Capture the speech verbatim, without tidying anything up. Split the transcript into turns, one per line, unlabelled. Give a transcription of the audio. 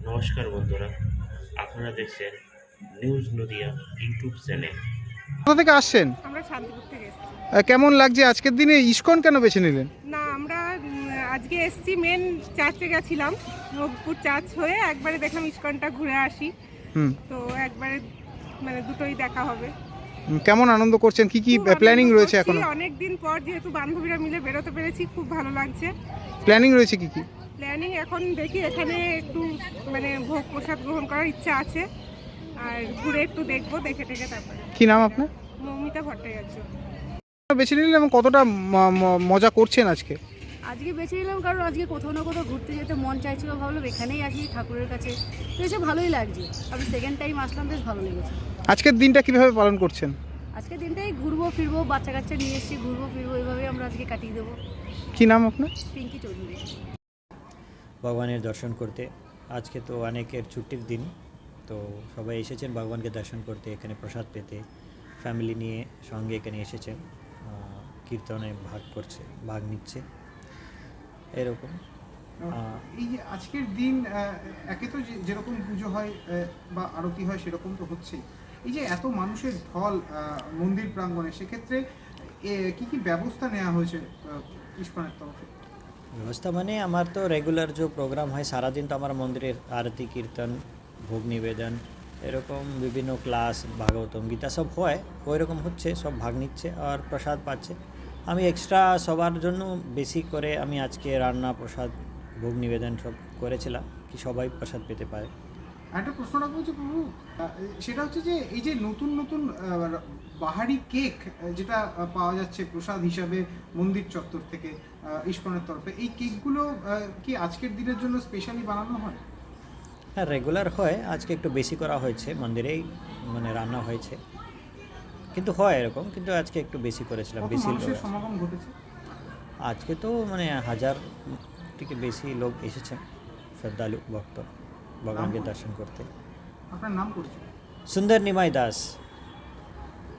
নমস্কার বন্ধুরা, আপনারা দেখছেন নিউজ নদিয়া ইউটিউব চ্যানেল।
কোথা থেকে আসছেন?
আমরা শান্তিপুর থেকে এসেছি।
আহ, কেমন লাগছে আজকের দিনে ইসকন কেন বেছে নিলেন?
না আমরা উম, আজকে এসেছি মেন চার্চে গেছিলাম, নবপুর চার্চ হয়ে একবারে দেখলাম ইস্কনটা ঘুরে আসি।
হুম
তো একবারে মানে দুটোই দেখা হবে।
হুম, কেমন আনন্দ করছেন? কি কি
খুব আনন্দ
প্ল্যানিং রয়েছে
করছি,
এখনো?
অনেকদিন পর যেহেতু বান্ধবীরা মিলে বেরোতে পেরেছি, খুব ভালো লাগছে।
প্ল্যানিং রয়েছে কি কি?
প্ল্যানিং এখন দেখি এখানে একটু মানে ভোগ প্রসাদ গ্রহণ করার ইচ্ছা আছে, আর ঘুরে একটু দেখবো, দেখে টেকে তারপরে।
কি নাম আপনার?
মৌমিতা ভট্টাচার্য।
বেছে নিলেন এবং কতটা ম- ম- মজা করছেন আজকে?
আজকে বেছে নিলাম কারণ আজকে কোথাও না কোথাও ঘুরতে যেতে মন চাইছিল, ভাবলাম এখানেই আসি ঠাকুরের কাছে, তো এসে ভালোই লাগছে। আমি সেকেন্ড টাইম আসলাম, বেশ ভালো লেগেছে।
আজকের দিনটা কিভাবে পালন করছেন?
আজকে দিনটাই ঘুরবো ফিরবো, বাচ্চা কাচ্চা নিয়ে এসেছি, ঘুরবো ফিরবো, এইভাবেই আমরা আজকে কাটিয়ে দেবো।
কি নাম আপনার?
পিঙ্কি চৌধুরী।
ভগবানের দর্শন করতে। আজকে তো অনেকের ছুটির দিন, তো সবাই এসেছেন ভগবানকে দর্শন করতে, এখানে প্রসাদ পেতে। ফ্যামিলি নিয়ে সঙ্গে এখানে এসেছেন, আহ, কীর্তনে ভাগ করছে, ভাগ নিচ্ছে এরকম। আহ,
এই যে আজকের দিন একে তো যেরকম পুজো হয় বা আরতি হয় সেরকম তো হচ্ছে, এই যে এত মানুষের ঢল মন্দির প্রাঙ্গণে, সেক্ষেত্রে কি কি ব্যবস্থা নেওয়া হয়েছে ইস্কনের তরফে?
ব্যবস্থা মানে আমার তো রেগুলার যে প্রোগ্রাম হয় সারাদিন, তো আমার মন্দিরের আরতি কীর্তন ভোগ নিবেদন এরকম বিভিন্ন ক্লাস ভাগবতম গীতা সব হয়, ওই রকম হচ্ছে, সব ভাগ নিচ্ছে আর প্রসাদ পাচ্ছে। আমি এক্সট্রা সবার জন্য বেশি করে আমি আজকে রান্না প্রসাদ ভোগ নিবেদন সব করেছিলাম, কি সবাই প্রসাদ পেতে পারে।
একটা প্রশ্ন রাখবো যে প্রভু, সেটা হচ্ছে যে এই যে নতুন নতুন বাহারি কেক যেটা পাওয়া যাচ্ছে প্রসাদ হিসাবে মন্দির চত্বর থেকে ইস্কনের তরফে, এই কেকগুলো কি আজকের দিনের জন্য স্পেশালি বানানো হয়?
হ্যাঁ, রেগুলার হয়, আজকে একটু বেশি করা হয়েছে, মন্দিরেই মানে রান্না হয়েছে, কিন্তু হয় এরকম, কিন্তু আজকে একটু বেশি করেছিলাম, বেশি লোক আছে।
সমাগম ঘটেছে
আজকে তো মানে হাজার থেকে বেশি লোক এসেছেন, শ্রদ্ধালু ভক্ত ভগবানকে দর্শন করতে।
আপনার নাম পরিচয়?
সুন্দর নিমাই দাস।